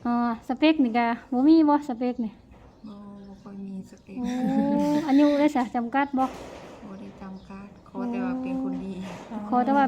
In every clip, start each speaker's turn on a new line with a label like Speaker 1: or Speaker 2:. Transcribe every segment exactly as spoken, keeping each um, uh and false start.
Speaker 1: อ๋อสเปคนี่ก็บ่มีบ่สเปคนี่
Speaker 2: บ่บ่ค่อยมีสเปค
Speaker 1: โอ้อายุได้ซะจำกัดบ่
Speaker 2: บ่ได้จำกัดขอแต่ว่าเป็นคนดี
Speaker 1: ขอแต่ว่า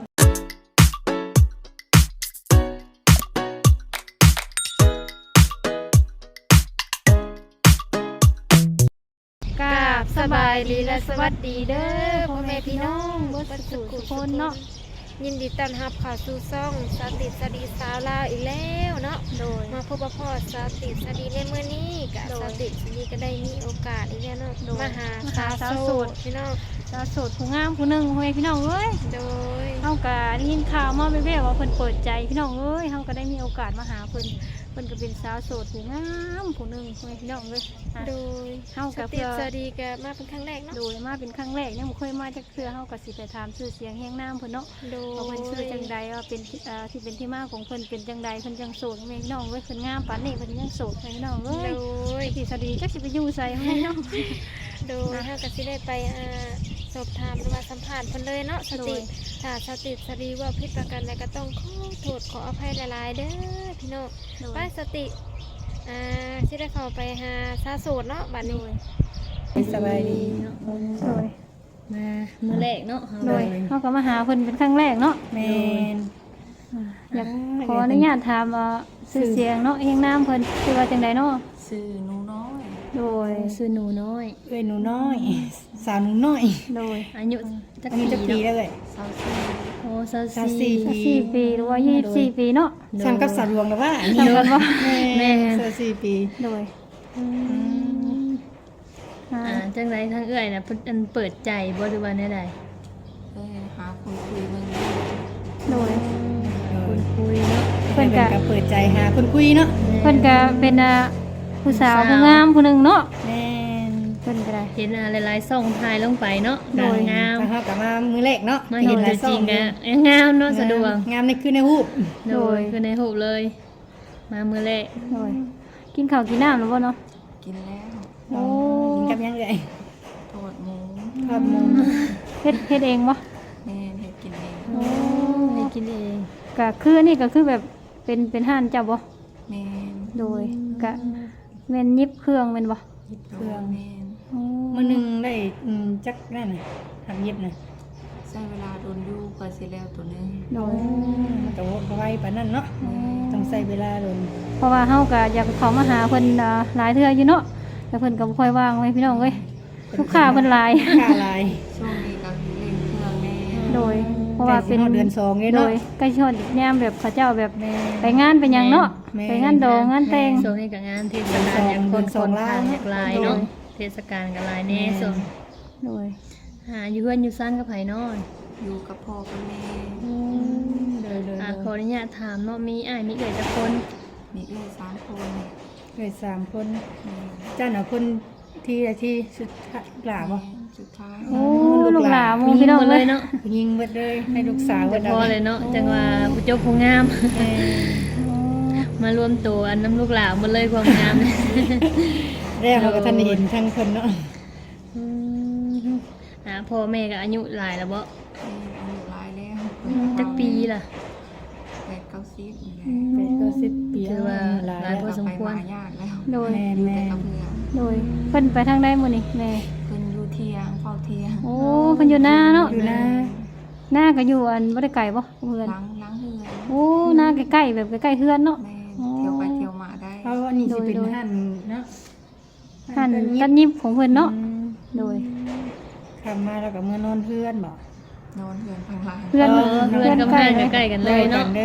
Speaker 1: กราบสบายดีและสวัสดีเด้อพ่อแม่พี่น้องเบิดสุขทุกคนเนาะ
Speaker 3: ยินดีต้อนรับเข้าสู่ช่องสติสดีสาวลาวอีกแล้วเนาะ
Speaker 1: โดย
Speaker 3: มาพบกับพ่อสติสดีในมื้อนี้กับสติสดีก็ได้มีโอกาสอีกแล้วเนาะมาหาสาวโสดพี่น้อง
Speaker 1: สาวโสดผู้งามผู้หนึงพ่อแม่พี่น้องเอ้ย
Speaker 3: โดย
Speaker 1: เฮาก็ได้ยินข่าวมาแว่วๆว่าเพิ่นเปิดใจพี่น้องเอ้ยเฮาก็ได้มีโอกาสมาหาเพิ่นเพิ่นก็เป็นสาวโสดผู้งามผู้หนึงพ่อแม่พี่น้องเอ้ย
Speaker 3: โดย
Speaker 1: เฮาก็
Speaker 3: สติสดีก็มาเป็นครั้งแรกเนาะ
Speaker 1: โดยมาเป็นครั้งแรกยังบ่เคยมาจักเทื่อเฮาก็สิไปถามชื่อเสียงแห่งนามเพิ่นเนาะ
Speaker 3: โดย
Speaker 1: ว่าเพิ่นชื่อจังใดว่าเป็นเอ่อที่เป็นที่มาของเพิ่นเป็นจังใดเพิ่นจังโสดแม่พี่น้องเอ้ยเพิ่นงามปานนี้เพิ่นยังโสดแม่พี่น้องเอ้ย
Speaker 3: โดย
Speaker 1: สิสดีจักสิไปอยู่ไสแม่พี่น้อง
Speaker 3: โดยเฮาก็สิได้ไปอ่าสอบถามหรือว่าสัมภาษณ์เพิ่นเลยเนาะสติถ้าสติสดีว่าผิดประการใดก็ต้องขอโทษขออภัยหลายๆเด้อพี่น้องไปสติอ่าสิได้เข้าไปหาสาวโสดเนาะบัดนี้
Speaker 4: สบายดีเนาะ
Speaker 1: โดย
Speaker 4: มามื้อแรกเนาะ
Speaker 1: โดยเฮาก็มาหาเพิ่นเป็นครั้งแรกเนาะ
Speaker 4: แม่น
Speaker 1: อยากขออนุญาตถามว่าชื่อเสียงเนาะแห่งนามเพิ่นชื่อว่าจังใดเนาะ
Speaker 2: ชื่อหนูน้อย
Speaker 1: โดย
Speaker 4: ชื่อหนูน้อย
Speaker 1: เอ้
Speaker 4: ยหนูน้อยสาวหนูน้อย
Speaker 1: โดย
Speaker 4: อายุจักปีจักปีแล้วเอ้ย
Speaker 1: โอ้สามสิบสี่ปีหรือว่ายี่สิบสี่ปีเนาะ
Speaker 4: ซ้ํกับสาวหลวงแล้วว่า
Speaker 1: ซ้ํกันบ่
Speaker 4: แม่สามสิบสี่ปี
Speaker 1: โดย
Speaker 4: อืม
Speaker 1: อ่า
Speaker 4: จังได๋ทางเอื้อยน่ะเพิ่นเปิดใจบ่หรือว่าแนวใด
Speaker 2: เอ้ยหาคนคุยเบิ่ง
Speaker 1: โดย
Speaker 4: คนคุยเนาะ
Speaker 1: เพิ่นก็
Speaker 4: เปิดใจหาคนคุยเนาะ
Speaker 1: เพิ่นก็เป็นอ่าผู้สาวผู้งามผู้หนึงเนาะ
Speaker 4: แม่น
Speaker 1: เพิ่นก็ได้
Speaker 4: เห็นหลายๆช่องถ่ายลงไปเนาะโดยงาม
Speaker 2: ถ้าเฮาก็มามื้อแรกเนาะ
Speaker 4: มาเห็นจริงๆอ่ะงามเนาะสะดวก
Speaker 2: งามนี่คือในรูป
Speaker 4: โดยคือในรูปเลยมามื้อแรก
Speaker 1: โดยกินข้าวกินน้ำแล้วบ่เนาะ
Speaker 2: กินแล้ว
Speaker 1: โอ้
Speaker 4: กินกับยังไง
Speaker 2: ทอดหมู
Speaker 1: ทอดหมูเฮ็ดเฮ็ดเองบ่
Speaker 2: แม่เฮ็ดกินเอง
Speaker 1: โอ้
Speaker 4: เฮ็ดกินเอง
Speaker 1: ก็คืออันนี้ก็คือแบบเป็นเป็นห้านเจ้าบ่
Speaker 2: แม่น
Speaker 1: โดยก็แม่นยิบเครื่องแม่นบ่
Speaker 2: ยิบเครื่องแม่น
Speaker 4: มื้อนึงได้อืมจักนั่นน่ะทำยิบน่ะ
Speaker 2: ใช้เวลาโดนอยู่ก็สิแล้วตัวนึง
Speaker 1: โดย
Speaker 4: มันก็ไวปานนั้นเนาะต้องใช้เวลาโดน
Speaker 1: เพราะว่าเฮาก็อยากเข้ามาหาเพิ่นหลายเทื่ออยู่เนาะแต่เพิ่นก็บ่ค่อยว่างไว้พี่น้องเอ้ยลูกค้าเพิ่นหลาย
Speaker 4: ค่าหลาย
Speaker 2: ช่วงนี้ก็เล่นเครื่องแน่
Speaker 1: โดยเพราะว่าเป็น
Speaker 4: เดือนสองเนาะ
Speaker 1: โดยใกล้ชดยามแบบเขาเจ้าแบบไปงานไปหยังเนาะไปงานดองงานแต่ง
Speaker 4: ช่วงนี้ก็งานเทศกาลอย่างคนคนทางหลายเนาะเทศกาลก็หลายแน่ส่ง
Speaker 1: โดย
Speaker 4: หาอยู่เฮือนอยู่ซ่านกับไผนอน
Speaker 2: อยู่กับพ่อกับแม่
Speaker 4: อืมเด้อๆอ่ะขออนุญาตถามเนาะมีอ้ายมีเอื้อยจักคน
Speaker 2: มีเอื้อยสามคน
Speaker 4: เอื้อยสามคนเจ้าน่ะคนที่ที่สุดหลาบ่
Speaker 2: สุดท้าย
Speaker 1: โอ้ลูกหลานหมู่พี่น้องเลย
Speaker 4: เนาะยิงเบิดเลยให้ลูกสาวเบิดพอเลยเนาะจังว่าผู้เจ้าผู้งามมารวมตัวอันน้ำลูกหลานหมดเลยความงามแล้วเราก็ท่านเห็นทั้งคนเนาะอืมอ่าพ่อแม่ก็อายุหลายแล้วบ่
Speaker 2: อายุหลายแล้ว
Speaker 4: จักปีล่ะ
Speaker 2: แปดเก้าสิบ
Speaker 4: แปดเก้าสิบปีถือว่าหลายพอสมควร
Speaker 2: ยากแล้ว
Speaker 1: โดย
Speaker 4: แม่
Speaker 1: โดยเพิ่นไปทางใดมื้อนี้แม่
Speaker 2: เพิ่นอยู่เที่ยงเฝ้าเที่ยง
Speaker 1: โอ้เพิ่นอยู่นาเนาะ
Speaker 4: อยู่นา
Speaker 1: หน้าก็อยู่อันบ่ได้ไกลบ่เฮือน
Speaker 2: หลังหลังเฮือน
Speaker 1: โอ้หน้าใกล้ๆแบบใกล้ๆเฮือนเนาะ
Speaker 2: เที่ยวไปเที่ยวมาได้
Speaker 4: เพราะว่านี่สิเป็นหั่นเนาะ
Speaker 1: หั่นตัดยิบของเพิ่นเนาะโดย
Speaker 4: ทำมาแล้วก็มื้อนอนเฮือนบ่
Speaker 2: นอนเฮือนข้างล่าง
Speaker 1: เฮือน
Speaker 4: เฮือนกับบ้านใกล้กันเลยเนาะ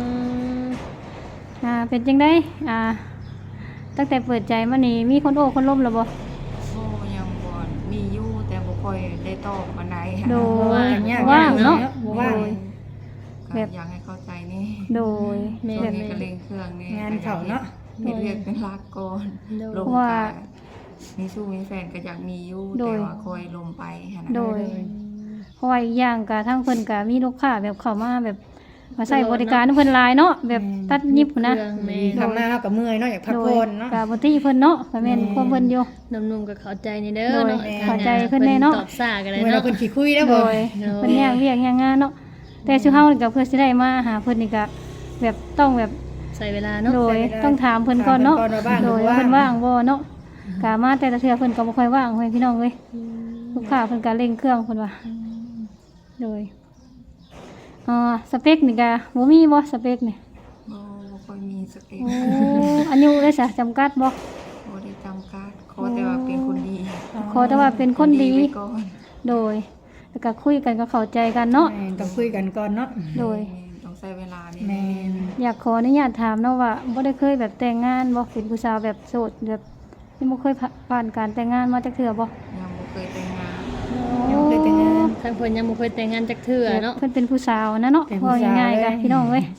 Speaker 1: อ่าเป็นจังได๋อ่าตั้งแต่เปิดใจมานี่มีคนโอ้คนล้มแล้วบ่
Speaker 2: โอ้ยังบ่มีอยู่แต่บ่ค่อยได้ตอบปานใด
Speaker 1: โดย
Speaker 4: ว่างเนาะว่าง
Speaker 2: แบบอยากให้เข้าใจนี่
Speaker 1: โดย
Speaker 2: แม่แบบก็เร่งเครื่องนี่
Speaker 4: งานเขาเนาะ
Speaker 2: เฮ็ดเรียกเป็นหลักก่อนลงกะมีสู้มีแฟนก็อยากมีอยู่แต่ว่าคอยลงไปหั่นน่ะ
Speaker 1: โดยเพราะว่าอีกอย่างก็ทางเพิ่นก็มีลูกค้าแบบเข้ามาแบบมาใช้บริการเพิ่นหลายเนาะแบบตัดยิบนะ
Speaker 4: ทำมาเฮาก็เมื่อยเนาะอยากพักผ่อนเนาะ
Speaker 1: ก็บ่ติเพิ่นเนาะก็แม่นความเพิ่นอยู่
Speaker 4: หนุ่มๆก็เข้าใจนี่เด้อเนาะ
Speaker 1: เข้าใจเพิ่นแน่เนาะ
Speaker 4: ตอบซ่าก็ได้เนาะเพิ่นขี้คุยแล้วบ่
Speaker 1: เพิ่นแยกเวียกแยกงานเนาะแต่ซุเฮานี่ก็เพื่อสิได้มาหาเพิ่นนี่ก็แบบต้องแบบ
Speaker 4: ใส่เวลาเนาะ
Speaker 1: โดยต้องถามเพิ่นก่อนเนาะ
Speaker 5: ถามเพิ่นก่อนว่าว่าง
Speaker 1: โดย
Speaker 5: หรือ
Speaker 1: ว่า
Speaker 5: ว่า
Speaker 1: เพิ่นว่างบ่เนาะกะมาแต่ละเทื่อเพิ่นก็บ่ค่อยว่างเฮ้ยพี่น้องเอ้ยลูกค้าเพิ่นก็เร่งเครื่องเพิ่นว่าโดยอ่าสเปคนี่ก็บ่มีบ่สเปคนี่
Speaker 2: บ่บ่ค่อยมีสเปค
Speaker 1: โอ้อายุได้ซะจำกัดบ่
Speaker 2: บ่ได้จำกัดขอแต่ว่าเป็นคนดี
Speaker 1: ขอแต่ว่าเป็นคนดี
Speaker 2: ไว้ก่อน
Speaker 1: โดยแล้วก็คุยกันก็เข้าใจกันเนาะ
Speaker 5: แม่นต้องคุยกันก่อนเนาะ
Speaker 1: โดย
Speaker 2: แม่นต้องใช้เวลานี่
Speaker 5: แม่น
Speaker 1: อยากขออนุญาตถามเนาะว่าบ่ได้เคยแบบแต่งงานบ่เป็นผู้สาวแบบโสดแบบยังบ่เคยผ่านการแต่งงานมาจักเทื่อบ่
Speaker 2: ยังบ่เคยแต่งงาน
Speaker 5: ยังบ่เคยแต่งงาน
Speaker 4: ทางเพิ่นยังบ่เคยแต่งงานจักเทื่อเนาะ
Speaker 1: เพิ่นเป็นผู้สาวนะเนาะ
Speaker 5: เป็นผู้
Speaker 1: ว่า
Speaker 5: สาว
Speaker 1: ง่ายๆกัน
Speaker 5: เลย
Speaker 1: พี่น้องเว้ย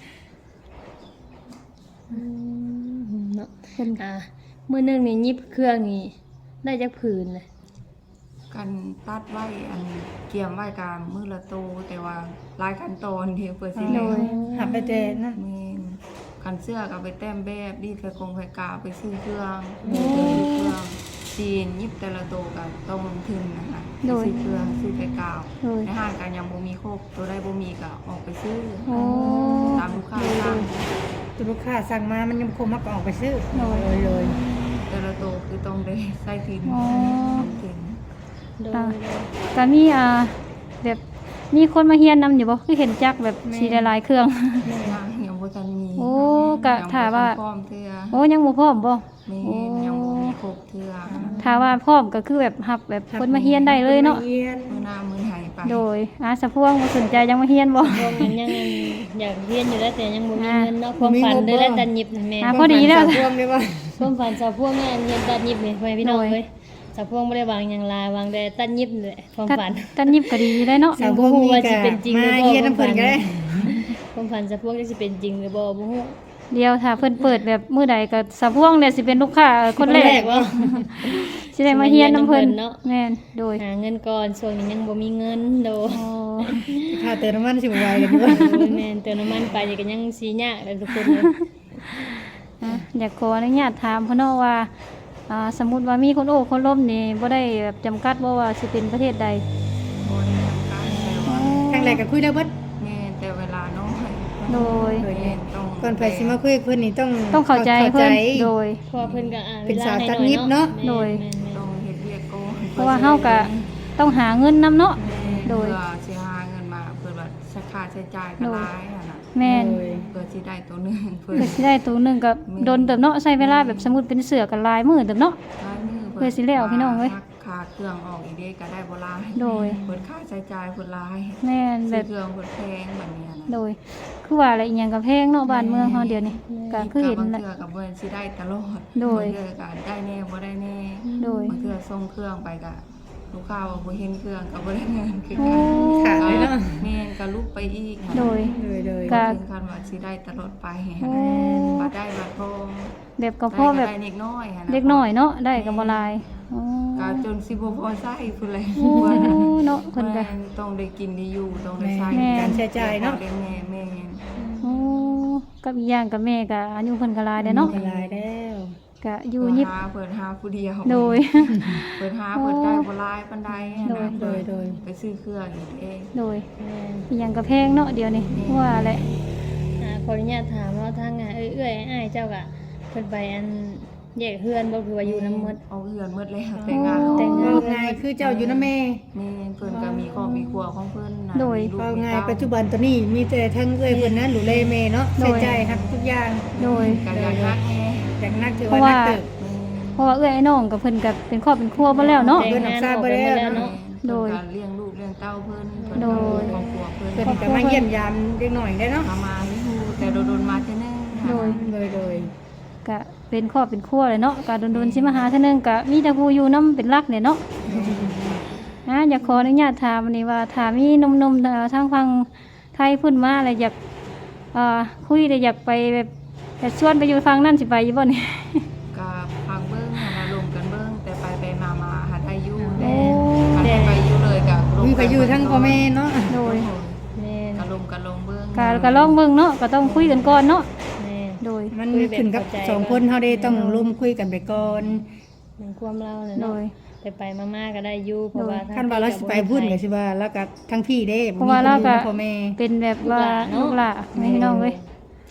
Speaker 4: เนาะ
Speaker 1: เพิ่น
Speaker 4: อ่ามื้อหนึงนี่หยิบเครื่องนี่ได้จักผืนเลย
Speaker 2: กันตัดไว้อันเกี่ยมไว้กลางมือละโตแต่ว่าหลายขั้นตอนที่เปิดสิ
Speaker 1: โด
Speaker 2: แล้ว
Speaker 1: ย
Speaker 5: หับไปแต่นั่น
Speaker 2: แม่นกันเสื้อก็เอาไปแต้มแบบดีดไปกงไปกาไปซื้อเครื่องเดินซื้อเครื่องจีนยิบแต่ละโตก็ต้องลงทุนนะคะไปซื้อเครื่องซื้อไปกาว
Speaker 1: โดย
Speaker 2: ในห้างกันยังบ่มีครบตัวได้บ่มีก็ออกไปซื้อ
Speaker 1: โอ้
Speaker 2: ตามลูกค้าสั่ง
Speaker 5: ตัวลูกค้าสั่งมามันยังคงมาก็ออกไปซื้อ
Speaker 1: โดย
Speaker 5: เลยเลย
Speaker 2: แต่ละโตคือต้องได้ใส่ทิน
Speaker 1: อ๋อ
Speaker 2: ลงทุน
Speaker 4: โดย
Speaker 1: อ่าก็มีอ่าแบบมีคนมาเฮียนนำอยู่บ่คือเห็นจักแบบสีหลายๆเครื่อง
Speaker 2: ยังยังบ่ทันมี
Speaker 1: โอ้กะถามว่า
Speaker 2: ยังบ่ทันพร้อมเทื่อ
Speaker 1: โอ้ยังบ่พร้อมบ่
Speaker 2: แม่
Speaker 1: โอ้
Speaker 2: นยังบ่มีครบเทื่อ
Speaker 1: ถ้าว่าพร้อมก็คือแบบรับแบบคนมาเฮียนได้เลยเนาะ
Speaker 5: คฮียน
Speaker 2: มื้อหน้ามื้อไหไป
Speaker 1: โดยอาสะพวงบ่สนใจยังมาเฮียนบ่
Speaker 4: พวกมันยังอยากเรียนอยู่แล้วแต่ยังบ่มีเงินเนาะความฝันเลยแล้วตัดหยิบนั่นแม่
Speaker 1: อ่าพอดีแล้ว
Speaker 5: สาวพวงเลยว่า
Speaker 4: ความฝันสาวพวกงานเรียนตัดหยิบนี่พ่อแม่พี่น้อง
Speaker 1: โดย
Speaker 4: เอ้ยสาวพวกบ่ได้วางหยังลาวางแต่ตัดหยิบนี่แหละความ
Speaker 1: ตัด
Speaker 4: ฝัน
Speaker 1: ตัดยิบก็ดีได้เนาะ
Speaker 5: สาวพวง
Speaker 4: บ่รู้
Speaker 5: มี
Speaker 4: ว่า
Speaker 5: กั
Speaker 4: สิเป็นจริงหรือ
Speaker 5: มา
Speaker 4: บ่
Speaker 5: เฮียนน้ำเพิ่นก็ได้
Speaker 4: ความฝันสาวพวกจะสิเป็นจริงหรือบ่บ่ฮู้
Speaker 1: เดียวถ้าเพิ่นเปิดแบบมื้อใดก็สะพวงเนี่ยสิเป็นลูกค้าคนแรก
Speaker 4: ว่า
Speaker 1: สิได้มาเฮียนนำเพิ่น
Speaker 4: เนาะ
Speaker 1: แม่นโดย
Speaker 4: หาเงินก่อนช่วงนี้ยังบ่มีเงินโด
Speaker 1: โอ้
Speaker 5: ค่าเติมน้ำมันสิบไหวกันด้วย
Speaker 4: แม่นเติมน้ำมันไปนี่ก็ยังสิยากเลยทุกคนเลย
Speaker 1: อ่ะอยากขออนุญาตถามพ่อเนาะว่าอ่าสมมุติว่ามีคนโอ้คนล้มนี่บ่ได้แบบจำกัดบ่ว่าสิเป็นประเทศใด
Speaker 2: บ่ได้จำกัดแต่ว่า
Speaker 5: ทางแรกก็คุยได้เบิด
Speaker 2: แม่นแต่เวลาน้อย
Speaker 1: โดย
Speaker 5: โดย
Speaker 2: แม่นต้อง
Speaker 5: ก่อนไปสิมาคุยกับเพิ่นนี่ต้อง
Speaker 1: ต้องเข้าใจเพิ่นโดย
Speaker 4: เพราะว่าเพิ่นก็อ่า
Speaker 5: เป็นสาว
Speaker 4: วลให้
Speaker 5: ตัด
Speaker 4: หอ
Speaker 5: ยิบเนาะ
Speaker 4: แม่
Speaker 1: โดย
Speaker 4: แม่นแม่น
Speaker 2: ต้องเฮ็ดเวียกก่อน
Speaker 1: เพราะว่าเฮาก็ต้องหาเงินนํเนาะ โด
Speaker 2: โด
Speaker 1: ย
Speaker 2: ยเพื่อสิหาเงินมาเพื่อว่าใช้ค่าใช้จ่ายก็หลายอะน่ะ
Speaker 1: แม่น
Speaker 5: โดย
Speaker 2: เพื่อสิได้ตัวหนึงเพื่อ
Speaker 1: เพื่อสิได้ตัวหนึงก็โดนเติบเนาะใช้เวลาแบบสมมุติเป็นเสือก็หลายมื้อเติบเนาะ
Speaker 2: หลายมือ
Speaker 1: เพื่อสิแล้วพี่น้องเว้ย
Speaker 2: ค่าเครื่องออกอีกเด้ก็ได้บ่หลาย
Speaker 1: โดย
Speaker 2: เพิ่นค่าใช้จ่ายเพิ่นหลาย
Speaker 1: แม่นแบ
Speaker 2: ซื้อบ เครื่องเพิ่นแพงแบบนี้นะ
Speaker 1: โดย คือว่าอะไรอีหยังก็แพงเนาะบ้านเมืองเฮาเดี๋ยวนี้ก็คือเห็น
Speaker 2: บาง
Speaker 1: แหละ
Speaker 2: เทื่อก็บ่สิได้ตลอด
Speaker 1: โดย
Speaker 2: บางเทื่อก็ได้แน่บ่ได้แน่
Speaker 1: โดย
Speaker 2: บางเทื่อส่งเครื่องไปก็ลูกค้าว่าบ่เห็นเครื่องก็บ่ได้เงินคือ
Speaker 1: โอ้
Speaker 5: ขาดเลยเนาะ
Speaker 2: แม่นก็ลุกไปอีก
Speaker 1: โดย
Speaker 5: โดยโดย
Speaker 1: ก็
Speaker 2: ถึงขั้นว่าสิได้ตลอดไป
Speaker 1: โอ้
Speaker 2: บ่ได้บัดพอ
Speaker 1: แบบก็พอแบบ
Speaker 2: ได้เล็กน้อยหั่นน่ะ
Speaker 1: เล็กน้อยเนาะได้ก็บ่หลายอ๋อ
Speaker 2: ก็จนสิบ่พอใช้พุ่นแหละ
Speaker 1: โอ้เนาะเพิ่นก็
Speaker 2: แม่ต้องได้กินได้อยู่ต้องได้ใช้
Speaker 5: แม่การใช้จ่ายเนาะ
Speaker 2: ได้แม่แม่น
Speaker 1: โอ้กับอีกอย่างกับแม่ก็อายุเพิ่นก็หลายแล้วเนาะ
Speaker 5: หลายแล้ว
Speaker 1: ก็อยู่ยิบ
Speaker 2: หาเปิดหาผู้เดียว
Speaker 1: โดย
Speaker 2: เปิดหาเปิดได้บ่หลายปานใดหั่น
Speaker 1: โดย
Speaker 2: น่ะ
Speaker 5: โดยโดย
Speaker 2: ไปซื้อเครื่องอีกเอง
Speaker 1: โดยอีหยังก็แพงเนาะเดี๋ยวนี้ว่าแหละ
Speaker 4: อ่าขออนุญาตถามว่าทางงานเอ้ยเอ้ยอ้ายเจ้าก็เพิ่นไปอันแยกเฮือนบ่คือว่าอยู่น้ำหมด
Speaker 2: เอาเฮือนหมดแล้วแต่งงาน
Speaker 4: แต่งงาน
Speaker 5: เอาไงคือเจ้าอยู่นะแม่
Speaker 2: แม่เพิ่นก็มีครอบมีครัวของเพิ่นน่ะ
Speaker 1: โดย
Speaker 2: มีลูก
Speaker 5: เอา
Speaker 2: มี
Speaker 5: ไง
Speaker 2: เต้า
Speaker 5: ปัจจุบันตอนนี้มีแต่ทั้งเอ้ยเพิ่นนั้นดูแลแม่เนาะ
Speaker 1: โด
Speaker 5: ใช้
Speaker 1: ย
Speaker 5: จ่ายครับทุกอย่าง
Speaker 1: โดย
Speaker 2: ก็อยากรักแม่
Speaker 5: อย่างนักถือ
Speaker 1: เพ
Speaker 5: ว่า
Speaker 1: ราะ
Speaker 5: นั
Speaker 1: ว่า
Speaker 5: กเติบ
Speaker 1: เพราะว่าเอื้อยไอ้น้องกับเพิ่นก็เป็นครอบเป็นครัวบ่แล้วเนาะ
Speaker 5: เพิ่นออกทราบบ่แล้วเนาะ
Speaker 2: เนาะ
Speaker 1: โด
Speaker 2: โด
Speaker 1: ย
Speaker 2: ยการเลี้ยงลูกเลี้ยงเต้าเพิ่นเพิ่น
Speaker 1: โดย
Speaker 2: ครอบครัวเพิ่น
Speaker 5: เพิ่นก็มาเยี่ยมยามเด็กหน่อยได้เนาะ
Speaker 2: มามาอยู่แต่โดนๆมาเทื่อนึงค่ะ
Speaker 1: โดย
Speaker 5: โดยโดย
Speaker 1: ก็เป็นครอบเป็นครัวเลยเนาะก็โดนๆสิมาหาเท่านึงก็มีแต่ผู้อยู่นํเป็นหลักเนี่ยเนาะอ่ะอยากขออนุญาตถามอันนี้ว่าถ้ามีหนุ่มๆเอ่อทางฝั่งไทยเพิ่นมาแล้วอยากเอ่อคุยได้อยากไปแบบอยากชวนไปอยู่ฝั่งนั้นสิไปอยู่บ่นี่
Speaker 2: ก็พังเบิ้งหาลมกันเบิ้งแต่ไปไปมามาหาได้อยู่
Speaker 1: โอ้
Speaker 2: แต่ไปอยู่เลยกับ
Speaker 5: มีก็อยู่ทั้งพ่อแม่เนาะ
Speaker 1: โดย
Speaker 4: แม่น
Speaker 2: กะลมกะลมเบิ้ง
Speaker 1: ก็ก็ลองเบิ่งเนาะก็ต้องคุยกันก่อนเนาะ
Speaker 4: แม่น
Speaker 1: โดย
Speaker 5: มันขึ้นกับสองคนเฮาได้ต้องร่วมคุยกันไปก่อน
Speaker 4: เหมือนความเราเนี่ย
Speaker 1: โด
Speaker 4: เนาะ
Speaker 1: ย
Speaker 4: ไปไปๆมาๆก็ได้อยู่เพราะว่า
Speaker 5: คันว่าเราสิไปพุ่นก็สิว่าแล้วก็ทั้งพี่เด้
Speaker 1: เพราะว่าเราก็
Speaker 5: พ่อแม่
Speaker 1: เป็นแบบว่าลูกหลานแม่พี่น้องเว้ย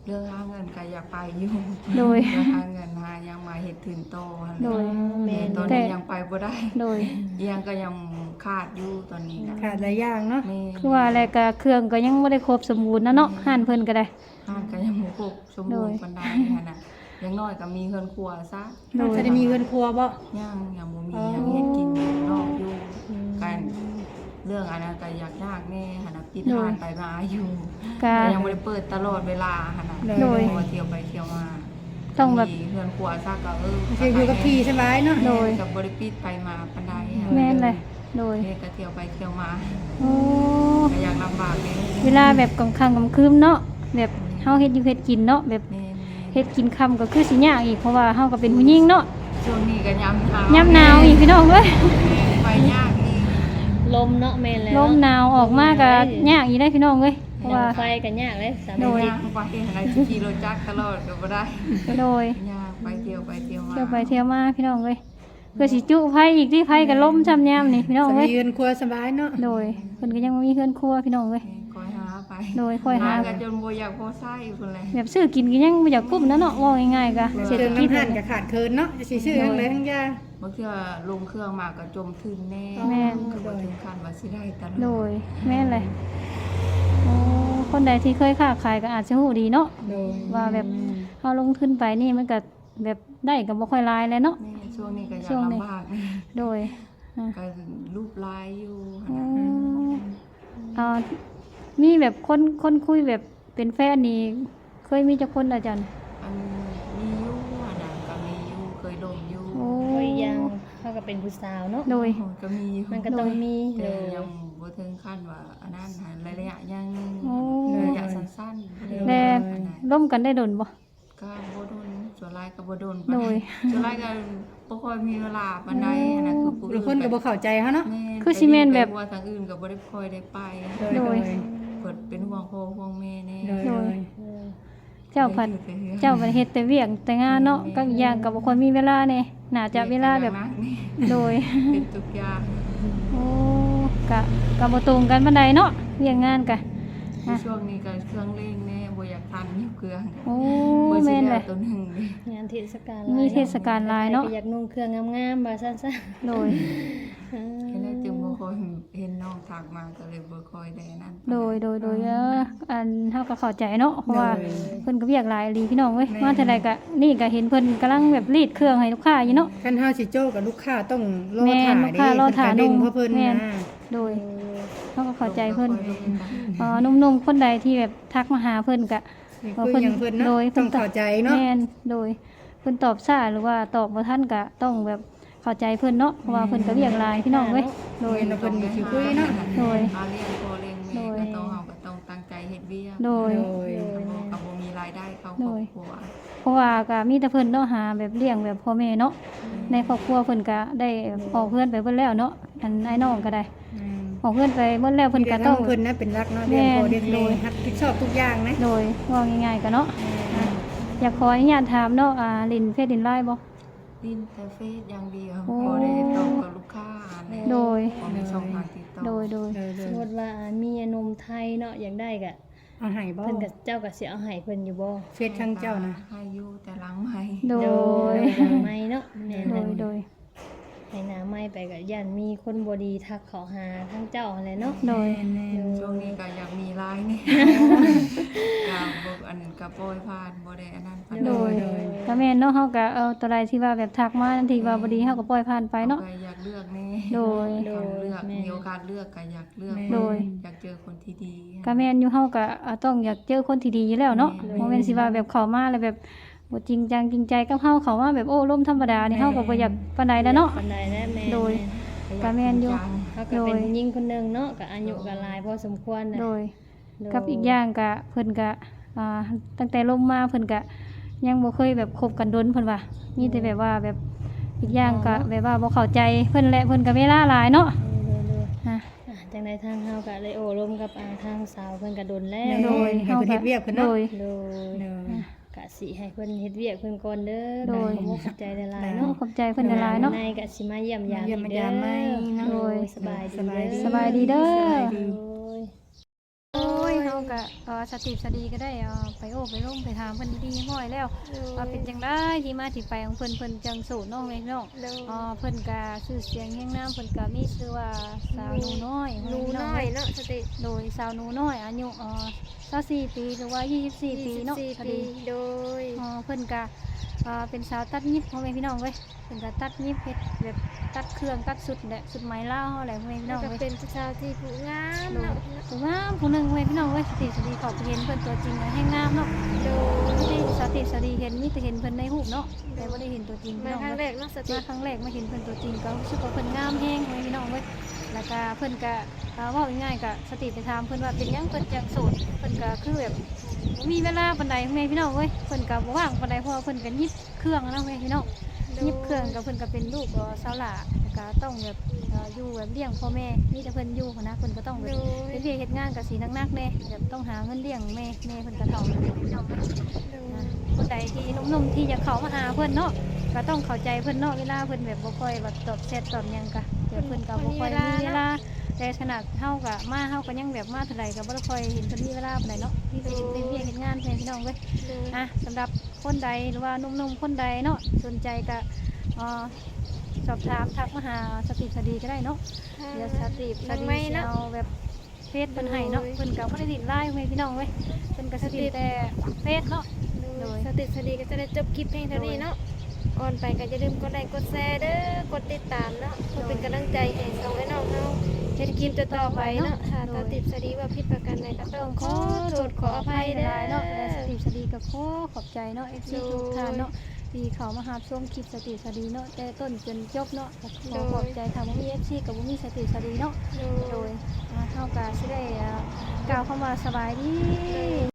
Speaker 2: รื่องหาเงินก็อยากไปอยู่
Speaker 1: โดย
Speaker 2: เรื่องหาเงินหายังมาเฮ็ดถึงโตหั่น
Speaker 1: โดย
Speaker 2: แม่ตอน
Speaker 1: แต่
Speaker 2: นี้ยังไปบ่ได้
Speaker 1: โดย
Speaker 2: ยังก็ยังขาดอยู่ตอนนี้ก็
Speaker 5: ขาดหลายอย่างเนาะ
Speaker 2: แม่
Speaker 1: คือว่าอะไรก็เครื่องก็ยังบ่ได้ครบสมบูรณ์นะเนาะห้านเพิ่นก็ได้
Speaker 2: ห้างก็ยังบ่ครบสมบูรณ์
Speaker 1: โดย
Speaker 2: ปานใดหั่นน่ะอย่างน้อยก็มีเฮือนครัวซะ
Speaker 1: โดย
Speaker 5: จะได้มีเงินครัวบ่
Speaker 2: ยังยังบ่มี
Speaker 5: อ๋อ
Speaker 2: ยังเฮ็ดกินอยู่นอกอยู่กันเรื่องอันนั้นก็อยากยากแน่หั่นน่ะปิดร้านไปมาอยู่
Speaker 1: ก็
Speaker 2: แต่ยังบ่ได้เปิดตลอดเวลาหั่นน่ะ
Speaker 1: โดย
Speaker 2: เพราะว่าเที่ยวไปเที่ยวมา
Speaker 1: ต้องแบบ
Speaker 2: มีเฮือนครัวซะก็เออ
Speaker 5: คืออยู่กับพี่สบายเนาะ
Speaker 1: โดย
Speaker 2: กับบริปิดไปมาปันไดค่ะ
Speaker 1: แม่นเลยโดย
Speaker 2: เฮ็ดก็เที่ยวไปเที่ยวมา
Speaker 1: โอ้
Speaker 2: ก็อยากลำบากเลย
Speaker 1: เวลาแบบกลางค่ำกลางคืนเนาะแบบเฮาเฮ็ดอยู่เฮ็ดกินเนาะแบบ
Speaker 2: แม่น
Speaker 1: เฮ็ดกินค่ำก็คือสิยากอีกเพราะว่าเฮาก็เป็นผู้หญิงเนาะ
Speaker 2: ๆช่วงนี้ก็ยำหนาว
Speaker 1: ยามหนาวอีกพี่น้องเอ้ย
Speaker 2: ไปยากอีก
Speaker 4: ลมเนาะแม่นแล้ว
Speaker 1: ลมหนาวออกมาก็ยากอีกได้พี่น้องเอ้ยเพราะว่า
Speaker 4: ไฟก็ยากเลยสา
Speaker 1: โด
Speaker 4: มี
Speaker 1: ย
Speaker 2: ยากไปอะไรขี่รถจักรตลอดก็บ่ได้
Speaker 1: โดย
Speaker 2: ยากไปเที่ยวไปเที่ยวมา
Speaker 1: เที่ยวไปเที่ยวมาพี่น้องเอ้ยเพื่อสิจุไผอีกที่ไผก็ล้มช้ำยามนี่พี่น้อง
Speaker 5: จะ
Speaker 1: เอ้
Speaker 5: มี
Speaker 1: ย
Speaker 5: เงินครัวสบายเนาะ
Speaker 1: โดยเพิ่นก็ยังบ่มีเฮือนครัวพี่น้องเอ้ย
Speaker 2: คอยหาไป
Speaker 1: โดยคอยหา
Speaker 2: กันจนบ่อยากพอไส้พุ่นแหละ
Speaker 1: แบบซื้อกินก็ยังบ่อยากกุ้มนะเนาะว่าง่ายๆก็เศรษ
Speaker 5: เค
Speaker 1: ฐ
Speaker 5: รื่อง
Speaker 1: กิจ
Speaker 5: น้ำหั่นก็ขาดเคินเนาะจะสิซื้อทั้งหลายทั้งยา
Speaker 2: บางเทื่อลงเครื่องมาก็จมทึนแน่
Speaker 1: แม่น
Speaker 2: ก็บ่ถึงขั้นว่าสิได้ตลอด
Speaker 1: โดยแม่นเลยโอ้คนใดที่เคยค้าขายก็อาจจะฮู้ดีเนาะ
Speaker 5: โดย
Speaker 1: ว่าแบบเฮาลงทุนไปนี่มันก็แบบได้ก็บ่ค่อยหลายแล้วเนาะ
Speaker 2: แม่ช่วงนี้ก็อยา
Speaker 1: ช่
Speaker 2: ก
Speaker 1: วงนี้
Speaker 2: ลำบาก
Speaker 1: โดยอ่ะ
Speaker 2: ก็รูปลายอยู่
Speaker 1: อื
Speaker 2: หั่นน่ะ
Speaker 1: มอ่ามีแบบคนคนคุยแบบเป็นแฟนนี่เคยมีจักคนอาจารย์
Speaker 2: อันมีอยู่อันนั้นก็มีอยู่เคยลงอยู่
Speaker 1: โอ้
Speaker 4: โอ้ยยังเขาก็เป็นผู้สาวเนาะ
Speaker 1: โดย
Speaker 2: ก็มีอยู่
Speaker 4: มันก็ต้องมีเล
Speaker 2: แต่
Speaker 4: ย
Speaker 2: ยังบ่ถึงขั้นว่าอันนั้นหันระยะยัง
Speaker 1: โอ้
Speaker 2: ระยะสั้นๆ
Speaker 1: แล้
Speaker 2: อันนั้น
Speaker 1: ร่วมกันได้ดนบ่
Speaker 2: ก็บ่โดนส่วนหลายก็บ่โดน
Speaker 1: โดย
Speaker 2: ส่วนหลายก็บ่ค่อยมีเวลาปานใดอันนั้นคือผู้
Speaker 5: หรือคนก็บ่เข้าใจเฮาเนาะ
Speaker 2: แม่
Speaker 1: คือสิแม่นแบบ
Speaker 2: ไปว่าทางอื่นก็บ่ได้ค่อยได้ไป
Speaker 1: โดย
Speaker 2: เปิดเป็นห่วงพ่อห่วงแม่แน่
Speaker 5: โดย
Speaker 1: โด
Speaker 5: โด
Speaker 1: ย
Speaker 5: ย
Speaker 1: เจ้าพันเจ้าพันเฮ็ดแต่เวียงแต่งานเนาะก็อีกอย่างก็บ่ค่อยมีเวลาแน่น่าจะเวลาแบบ โดย
Speaker 2: เป็นทุกอย่าง
Speaker 1: โอ้กะกะบ่ตรงกันปานใดเนาะเวียงงานกะ
Speaker 2: ในช่วงนี้ก็เครื่องเล่งแน่บ่อยากทันอยู่เครื่อง
Speaker 1: โอ้
Speaker 2: บ่สิ
Speaker 1: แม่นเล
Speaker 2: ได้
Speaker 1: ย
Speaker 2: ตัวหนึงนี่
Speaker 4: งานเทศกาล
Speaker 1: มีเทศกาลหลายเนาะ
Speaker 4: ใครก็อยากนุ่งเครื่องงามๆบ่ซั่น
Speaker 1: โดย
Speaker 4: ๆเออ
Speaker 2: แค่นั้นจึงบ่ค่อยเห็นน้องทักมาก็เลยบ่ค่อยได้นั่น
Speaker 1: โดยโดยโดยเอออันเฮาก็เข้าใจเนาะเพราะว่าเพิ่นก็เวียกหลายอีหลีพี่น้องเว้ยมาเท่าใดก็นี่ก็เห็นเพิ่นกำลังแบบรีดเครื่องให้ลูกค้าอยู่เนาะ
Speaker 5: คันเฮาสิโจ้กับลูกค้าต้องรอ
Speaker 1: แม่น
Speaker 5: ถ่า
Speaker 1: ลูกค้ารอถ่า
Speaker 5: เด้ง
Speaker 1: นุ่ม
Speaker 5: เพราะเพิ่น
Speaker 1: แม่น
Speaker 5: นะ
Speaker 1: โดยเฮาก็เข้าใจเพิ่น
Speaker 2: บ่ค่อยได้นั่น
Speaker 1: เอ่อหนุ่มๆคนใดที่แบบทักมาหาเพิ่นก็
Speaker 5: นี่คืออย่างเพิ่นเนาะ
Speaker 1: โดย
Speaker 5: ต้องเข้าใจเนาะ
Speaker 1: แม่นโดยเพิ่นตอบช้าหรือว่าตอบบ่ทันก็ต้องแบบเข้าใจเพิ่นเนาะเพราะว่าเพิ่นก็เวียกหลายพี่น้องเว้ยโดย
Speaker 5: เพิ่นก็สิคุยเนาะ
Speaker 1: โดย
Speaker 2: เอาเลี้ยงพ่อเลี้ยงแม่ก็ต้องเฮาก็ต้องตั้งใจเฮ็ดเวียก
Speaker 1: โดย
Speaker 5: โดย
Speaker 2: ก็บ่มีรายได้เข้าค
Speaker 1: โด
Speaker 2: รอย บครัว
Speaker 1: เพราะว่าก็มีแต่เพิ่นเนาะหาแบบเลี้ยงแบบพ่อแม่เนาะในครอบครัวเพิ่นก็ได้ออกเพื่อนไปเบิดแล้วเนาะอันไอ้น้องก็ได้
Speaker 5: อืม
Speaker 1: ออกเพื่อนไปเบิดแล้วเพิ่นก็ต้อง
Speaker 5: เพิ่นนะเป็นรักเนาะเลี้ยงพ่อเลี้ยง
Speaker 1: โด
Speaker 5: แม่
Speaker 1: ย
Speaker 5: รับผิดชอบทุกอย่างนะ
Speaker 1: โดยว่าง่ายๆก็เนาะอยากขออนุญาตถามเนาะอ่าลินเฟซลินไลน์บ่
Speaker 2: ดินแต่เฟซอย่างเดียว
Speaker 1: โอ้
Speaker 2: บ่ได้ตอบกับลูกค้าแน่
Speaker 1: โดย
Speaker 2: บ่มีช่องทางติดต่อ
Speaker 1: โดยโดย
Speaker 5: โดยโด
Speaker 4: ส
Speaker 5: ย
Speaker 4: มมุติว่ามีนมไทยเนาะอยากได้ก็
Speaker 5: เอาให้บ่
Speaker 4: เพิ่นก็เจ้าก็สิเอาให้เพิ่นอยู่บ่
Speaker 5: เฟซทางเจ้านะ
Speaker 2: ให้อยู่แต่หลังใหม่
Speaker 1: โดย
Speaker 4: หน้าไม้เนาะแม่น
Speaker 1: โดยโดย
Speaker 4: ให้หน้าไม้ไปก็ย่านมีคนบ่ดีทักเขาหาทางเจ้าหั่นแหละเนาะ
Speaker 1: โดย
Speaker 2: ช่วงนี้ก็อยากมีไลน์นี่ ก็บ่อันก็ปล่อยผ่านบ่ได้อันนั้นปานใ
Speaker 1: โดยก็แม่นเนาะเฮาก็เอาตัวใดที่ว่าแบบทักมาทันทีว่าบ่ดีเฮาก็ปล่อยผ่านไปเนาะ
Speaker 2: ก็อยากเลือกแน่
Speaker 1: โดย
Speaker 2: อยากเลือกมีโอกาสเลือกก็อยากเลือก
Speaker 1: โดย
Speaker 2: อยากเจอคนที่ดี
Speaker 1: ก็แม่นอยู่เฮาก็อ่าต้องอยากเจอคนที่ดีอยู่แล้วเนาะบ่แม่นสิว่าแบบเข้ามาแล้วแบบบ่จริงจังจริงใจกับเฮาเข้ามาแบบโอ้ลมธรรมดานี่เฮาก็บ่อยากปานใดแล้วเนาะ
Speaker 4: ปานใดแล้วแม่
Speaker 1: โดย
Speaker 2: อยา
Speaker 1: ก็แม่นอยู่
Speaker 2: จริงจัง
Speaker 4: เขาก็เป็นผู้หญิงคนหนึงเนาะก็อายุก็หลายพอสมควรนะ
Speaker 1: โดย
Speaker 4: โดย
Speaker 1: กับอีกอย่างก็เพิ่นก็อ่าตั้งแต่ลมมาเพิ่นก็ยังบ่เคยแบบคบกันดนเพิ่นว่ามีแต่แบบว่าแบบอีกอย่างก็แบบว่าบ่เข้าใจเพิ่นแหละเพิ่นก็เวลาหลายเนาะ
Speaker 4: โดยโดย
Speaker 1: อ่ะ
Speaker 4: อ่ะจังใดทางเฮาก็เลยโอ้ร่วมกับอ่าทางสาวเพิ่นก็ดนแล้ว
Speaker 5: โดยให้เพิ่นเฮ็ดเวียกเพิ่น
Speaker 1: โด
Speaker 5: เนาะ
Speaker 1: ย
Speaker 4: โดย
Speaker 5: โดย
Speaker 4: กะสิให้เพิ่นเฮ็ดเวียกเพิ่นก่อนเด้อ
Speaker 1: โดย
Speaker 4: ขอบคุณใจหลายๆ
Speaker 1: เนาะ
Speaker 4: เนาะ
Speaker 1: ขอบใจเพิ่นหลายๆเนาะ
Speaker 4: ในกะสิมาเยี่ยมยาม
Speaker 5: เยี่ยม
Speaker 4: อีก
Speaker 5: ยามไหมเนาะ
Speaker 4: โดยสบายดี
Speaker 5: สบายดี
Speaker 1: สบายดีเด้อ
Speaker 4: โดย
Speaker 1: โอ้ยเฮาก็เอ่อสติสดีก็ได้เอ่อไปโอ้ไปร่มไปถามเพิ่นดีๆห้อยแล้วว่าเป็นจังได๋ที่มาที่ไปของเพิ่นเพิ่นจังโสดเนาะแม่พี่น้อง
Speaker 3: โดย
Speaker 1: อ๋อเพิ่นก็ชื่อเสียงแห่งน้ำเพิ่นก็มีชื่อว่าสาวหนูน้อย
Speaker 3: หนูน้อยเนาะสติ
Speaker 1: โดยสาวหนูน้อยอายุเอ่อยี่สิบสี่ปีหรือว่ายี่สิบสี่ปีเนาะ
Speaker 3: ยี่
Speaker 1: พ
Speaker 3: สิ
Speaker 1: อบ
Speaker 3: สี่
Speaker 1: ดี
Speaker 3: ปีโดย
Speaker 1: อ๋อเพิ่นก็เอ่อเป็นสาวตัดยิบพ่อแม่พี่น้องเว้ยเพิ่นก็ตัดยิบเฮ็ดแบบตัดเครื่องตัดสุดแหละสุดไหมลาวเฮาแหละพ่อแม่พี่
Speaker 3: แล้
Speaker 1: น้
Speaker 3: ว
Speaker 1: อง
Speaker 3: ก็
Speaker 1: เว้ย
Speaker 3: เป็นชาวที่ผู้งาม
Speaker 1: โดย
Speaker 3: เนาะ
Speaker 1: ผู้งามผู้หนึงพ่อแม่พี่น้องเว้ยสติสดีขอบเห็นเพิ่นตัวจริงแล้วแห่งงามเนาะ
Speaker 3: โดย
Speaker 1: ที่สติสดีเห็นมีแต่เห็นเพิ่นในรูปเนาะแต่บ่ได้เห็นตัวจริงพี่
Speaker 3: มา
Speaker 1: น้อง
Speaker 3: ครั้ง
Speaker 1: เว้ย
Speaker 3: แรกเนาะสติ
Speaker 1: มาครั้งแรกมาเห็นเพิ่นตัวจริงก็รู้สึกว่าเพิ่นงามแฮงพ่อแม่พี่น้องเว้ยแล้วก็เพิ่นก็เอ่อเว้าง่ายๆก็สติไปถามเพิ่นว่าเป็นหยังเพิ่นจังโสดเพิ่นก็คือแบบบ่มีเวลาปานใดพ่อแม่พี่น้องเว้ยเพิ่นก็บ่ว่างปานใดเพราะว่าเพิ่นก็ยิบเครื่องอะเนาะพ่อแม่พี่น้องยิบเครื่องก็เพิ่นก็เป็นลูกเอ่อสาวหล่าแล้วก็ต้องแบบเอ่ออยู่แบบเลี้ยงพ่อแม่มีแต่เพิ่นอยู่หั้นนะเพิ่นก็ต้องแบบเฮ็ดเวียกเฮ็ดงานก็สิหนักๆแน่แบบต้องหาเงินเลี้ยงแม่แม่เพิ่นก็เฒ่าแล้วพี่น้องเว้ย นะคนใดที่หนุ่มๆที่อยากเข้ามาหาเพื่อนเนาะก็ต้องเข้าใจเพื่อนเนาะเวลาเพื่อนแบบบ่ค่อยแบบตอบแชทตอบหยังกะเดี๋ยวเพื่อนก็บ่ค่อยมีเวลาแต่ขนาดเฮาก็มาเฮาก็ยังแบบมาเท่าไหร่ก็บ่ได้ค่อยเห็นเพิ่นมีเวลาปานใดเนาะที่จะเห็นเป็นเวียกเห็นงานแทนพี่น้องเว้ย
Speaker 3: โดย
Speaker 1: อ่ะสำหรับคนใดหรือว่าหนุ่มๆคนใดเนาะสนใจก็เอ่อสอบถามทักมาหาสติสดีก็ได้เนาะเดี๋ยวสติส
Speaker 3: น้อง
Speaker 1: ดี
Speaker 3: ไม้
Speaker 1: สิ
Speaker 3: เนาะ
Speaker 1: เอาแบบเฟซเพิ่นให้เนาะเพิ่นก็บ่ได้ติดไลน์เว้ยพี่น้องเว้ยเพิ่นก็สิติดแต่เฟซเนาะ โดย
Speaker 3: สติสดีก็จะได้จบคลิปเพลงเท่านี้เนาะก่อนไปก็อย่าลืมกดไลค์กดแชร์เด้อกดติดตามเนาะเพื่อเป็นกำลังใจให้สองไอ้น้องเฮาเฮ็ดคลิปต่อๆไปเนาะถ้าตาติดสดีว่าผิดประการใดก็ต้องขอโทษขออภัยเด้อ
Speaker 1: เนาะและสติสดีกับโคขอบใจเนาะเอฟซีทุกท่านเนาะที่เขามาหาชมคลิปสติสดีเนาะแต่ต้นจนจบเนาะขอขอบใจค่ะบ่มีเอฟซีกับบ่มีสติสดีเนาะโดยอ่าเฮาก็สิได้อ่ากล่าวคำว่าสบายดี